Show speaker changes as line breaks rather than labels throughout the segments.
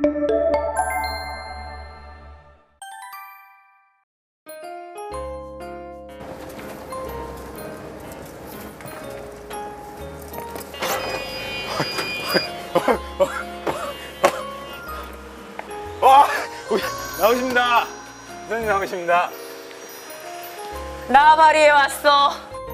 나오십니다. 선생님 나오십니다.
나발이에 왔어.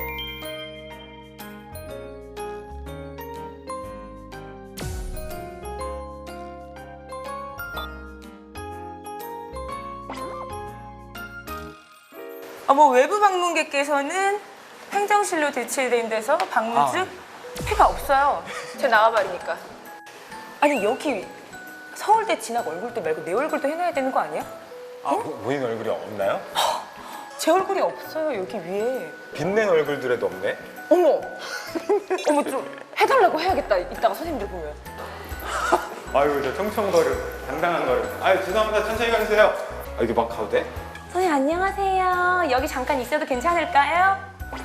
외부 방문객께서는 행정실로 대체된 데서 방문 중 피가 없어요. 제 나와버리니까. 아니 여기 서울대 진학 얼굴도 말고 내 얼굴도 해놔야 되는 거 아니야?
본인 얼굴이 없나요?
제 얼굴이 없어요 여기 위에.
빛낸 얼굴들에도 없네.
어머 좀 해달라고 해야겠다 이따가 선생님들 보면.
아유 저 청청거름 당당한 걸음. 아유 죄송합니다. 천천히 가주세요. 이렇게 막 가도 돼?
선생님 안녕하세요. 여기 잠깐 있어도 괜찮을까요?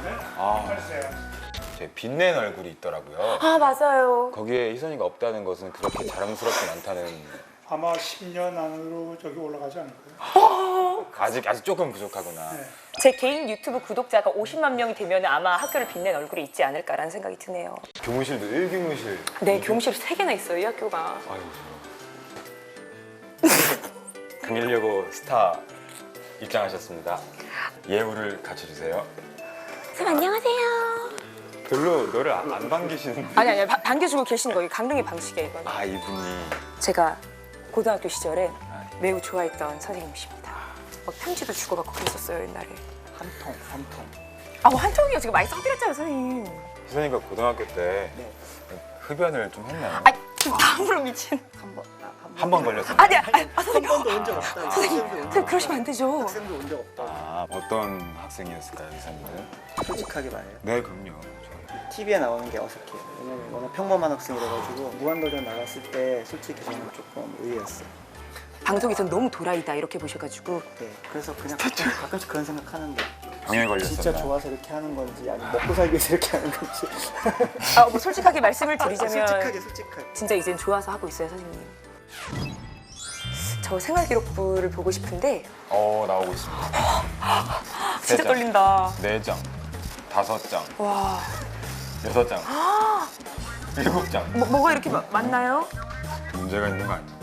제 빛낸 얼굴이 있더라고요.
아 맞아요.
거기에 희선이가 없다는 것은 그렇게 자랑스럽진 않다는.
아마 10년 안으로 저기 올라가지 않을까요?
아직 조금 부족하구나.
네.
제 개인 유튜브 구독자가 50만 명이 되면 아마 학교를 빛낸 얼굴이 있지 않을까라는 생각이 드네요.
교무실도 1교무실.
네, 교무실 3개나 있어요, 이 학교가.
아유. 금일여고 스타 입장하셨습니다. 예우를 갖춰주세요.
선생님 안녕하세요.
별로 너를 안 반기시는.
아니 반겨주고 계시는 거예요. 강릉의 방식이에요, 이건.
이분이.
제가 고등학교 시절에 매우 좋아했던 선생님이십니다. 막 편지도 주고받고 그랬었어요, 옛날에.
한 통.
한 통이요. 제가 많이 써드렸잖아요, 선생님.
희선이가 고등학교 때 흡연을 좀 했나요?
지금 다음으로 미친.
한 번 걸렸어요.
선생님.
한 번도 온 적 없다.
선생님 그러시면 안 되죠.
학생도 온 적 없다.
어떤 학생이었을까요, 희선이는?
솔직하게 말해요.
네, 그럼요.
TV에 나오는 게 어색해요. 왜냐면 워낙 평범한 학생이라가지고 무한도전 나갔을 때 솔직히 저는 조금 의외였어요.
방송에서는 너무 도라이다 이렇게 보셔가지고.
네, 그래서 그냥 가끔씩 그런 생각하는데
병에 걸렸었나?
진짜 좋아서 이렇게 하는 건지 아니면 먹고 살기 위해서 이렇게 하는 건지.
솔직하게 말씀을 드리자면
솔직하게.
진짜 이젠 좋아서 하고 있어요, 선생님. 저 생활기록부를 보고 싶은데
나오고 있습니다.
진짜
3장,
떨린다.
4장, 5장,
와,
6장, 7장.
뭐가 이렇게 많나요?
문제가 있는 거 아닌가요?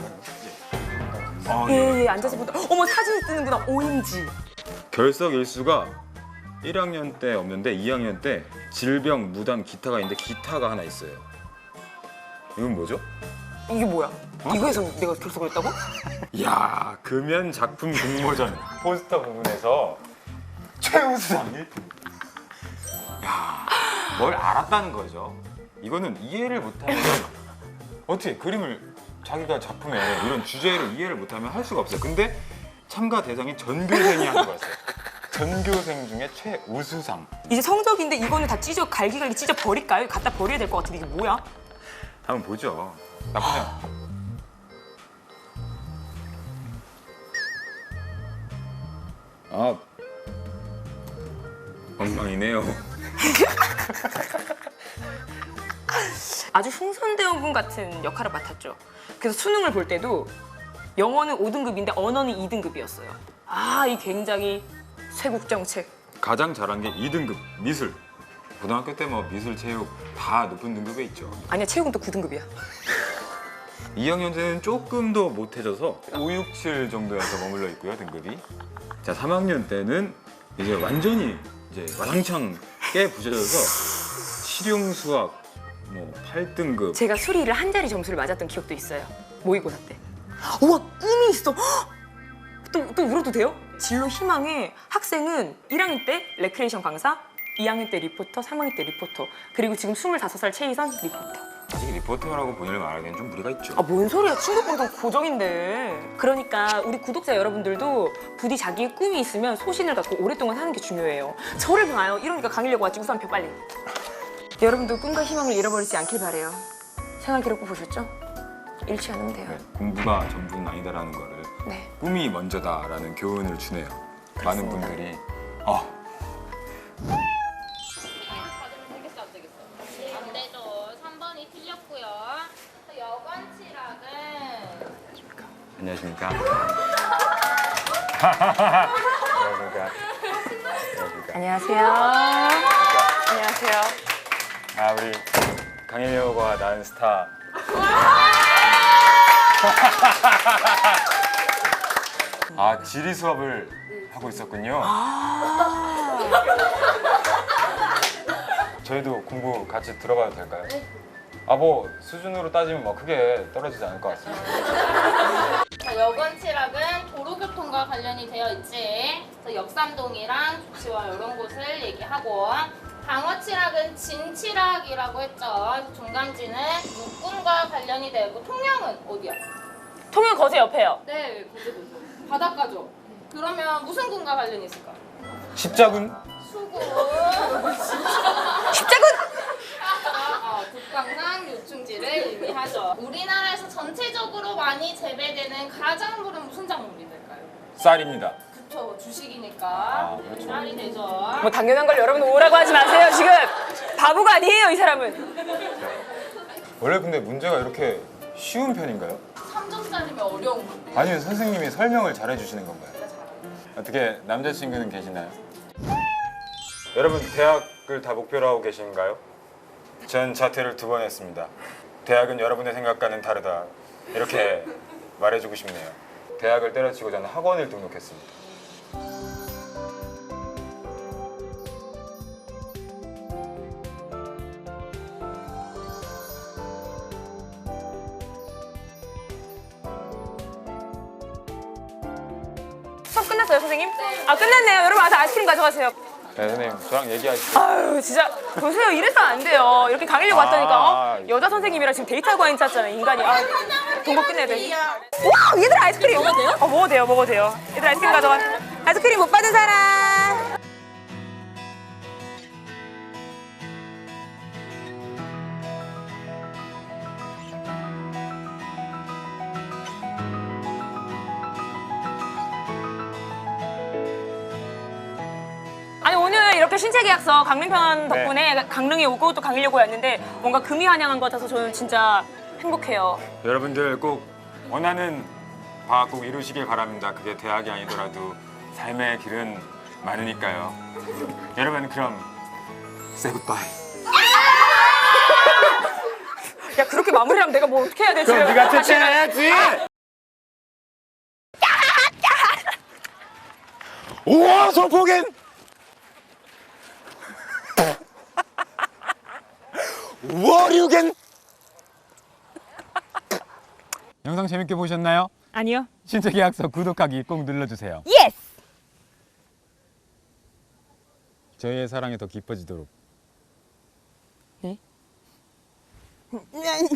예, 앉아서 보다. 어머, 사진이 뜨는구나. OMG.
결석 일수가 1학년 때 없는데 2학년 때 질병, 무단, 기타가 있는데 기타가 하나 있어요. 이건 뭐죠?
이게 뭐야? 이거에서 내가 결석을 했다고?
이야, 금연 작품 공모전 포스터 부분에서 최우수상 1등. 야, 뭘 알았다는 거죠. 이거는 이해를 못하면 어떻게 그림을 자기가 작품에 이런 주제를 이해를 못하면 할 수가 없어요. 근데 참가 대상이 전교생이 한 거였어요. 전교생 중에 최우수상.
이제 성적인데 이거는 다 갈기갈기 찢어 버릴까요? 갖다 버려야 될 것 같은데 이게 뭐야?
한번 보죠. 나쁘지 않아. 엉망이네요.
아주 흥선대원군 같은 역할을 맡았죠. 그래서 수능을 볼 때도 영어는 5등급인데 언어는 2등급이었어요. 이 굉장히 쇄국정책.
가장 잘한 게 2등급 미술. 고등학교 때 뭐 미술, 체육 다 높은 등급에 있죠.
아니야, 체육은 또 9등급이야.
2학년 때는 조금 더 못해져서 5, 6, 7 정도에서 머물러 있고요, 등급이. 자, 3학년 때는 이제 완전히 이제 와장창 깨 부셔져서 실용 수학 뭐 8등급.
제가 수리를 한 자리 점수를 맞았던 기억도 있어요. 모의고사 때. 우와, 꿈이 있어. 또 울어도 돼요? 진로 희망에 학생은 1학년 때 레크레이션 강사, 2학년 때 리포터, 3학년 때 리포터, 그리고 지금 25살 최희선 리포터.
아직 리포터라고 본인을 말하기엔 좀 무리가 있죠.
뭔 소리야. 친구 방송 고정인데. 그러니까 우리 구독자 여러분들도 부디 자기의 꿈이 있으면 소신을 갖고 오랫동안 하는 게 중요해요. 저를 봐요. 이러니까 강의려고 왔지. 우산표 빨리. 여러분도 꿈과 희망을 잃어버리지 않길 바래요. 생활기록부 보셨죠? 잃지 않으면 돼요.
네, 공부가 전부는 아니다라는 거를
네.
꿈이 먼저다라는 교훈을 주네요. 많은
그렇습니다.
분들이
안 되죠. 3번이 틀렸고요. 여관 칠학은
안녕하십니까. 안녕하십니까. 안녕하십니까.
안녕하세요. 안녕하세요.
아, 우리 강일효가 낳은 스타. 아, 지리 수업을 하고 있었군요. 저희도 공부 같이 들어봐도 될까요? 아, 뭐 수준으로 따지면 뭐 크게 떨어지지 않을 것 같습니다.
자, 여건 칠학은 도로교통과 관련이 되어 있지. 그래서 역삼동이랑 조치와 이런 곳을 얘기하고, 방어 칠학은 진칠학이라고 했죠. 종강지는 육군과 관련이 되고, 통영은 어디야?
통영 거제 옆에요.
네, 거제도 바닷가죠. 그러면 무슨 군과 관련이 있을까?
십자군?
수군.
십자군!
국강산 요충지를 의미하죠. 우리나라에서 전체적으로 많이 재배되는 가작물은 무슨 작물이 될까요?
쌀입니다.
그쵸, 주식이니까
그렇죠.
쌀이 되죠.
뭐 당연한 걸 여러분 오라고 하지 마세요. 지금 바보가 아니에요, 이 사람은.
원래 근데 문제가 이렇게 쉬운 편인가요?
3점짜리면 어려운 건데.
아니면 선생님이 설명을 잘 해주시는 건가요? 어떻게 남자친구는 계시나요? 여러분 대학을 다 목표로 하고 계신가요? 전 자퇴를 2번 했습니다. 대학은 여러분의 생각과는 다르다. 이렇게 말해주고 싶네요. 대학을 때려치고 저는 학원을 등록했습니다.
수업 끝났어요, 선생님? 아, 끝났네요. 여러분 와서 아이스크림 가져가세요.
네, 선생님 저랑 얘기하시죠.
아유, 진짜 보세요. 이래서 안 돼요. 이렇게 강의를 왔다니까.
아.
여자 선생님이랑 지금 데이트하고 있잖아요, 인간이. 아, 동거 끝내야 돼. 와, 얘들 아이스크림. 먹어도 돼요? 먹어도 돼요, 먹어도 돼요. 얘들 아이스크림 가져가. 아이스크림 못 받은 사람. 아니 오늘 이렇게 신체계약서 강릉편 덕분에 강릉에 오고 또 강의려고 왔는데 뭔가 금이 환영한 것 같아서 저는 진짜 행복해요.
여러분들 꼭 원하는 바학 꼭 이루시길 바랍니다. 그게 대학이 아니더라도 삶의 길은 많으니까요. 여러분 그럼 say goodbye.
야 그렇게 마무리하면 내가 뭐 어떻게 해야 되지?
그럼 네가 퇴출해야지. 우와 소포겐. 워류겐. 영상 재밌게 보셨나요?
아니요.
신체계약서 구독하기 꼭 눌러주세요.
예스.
저희의 사랑이 더 깊어지도록.
네?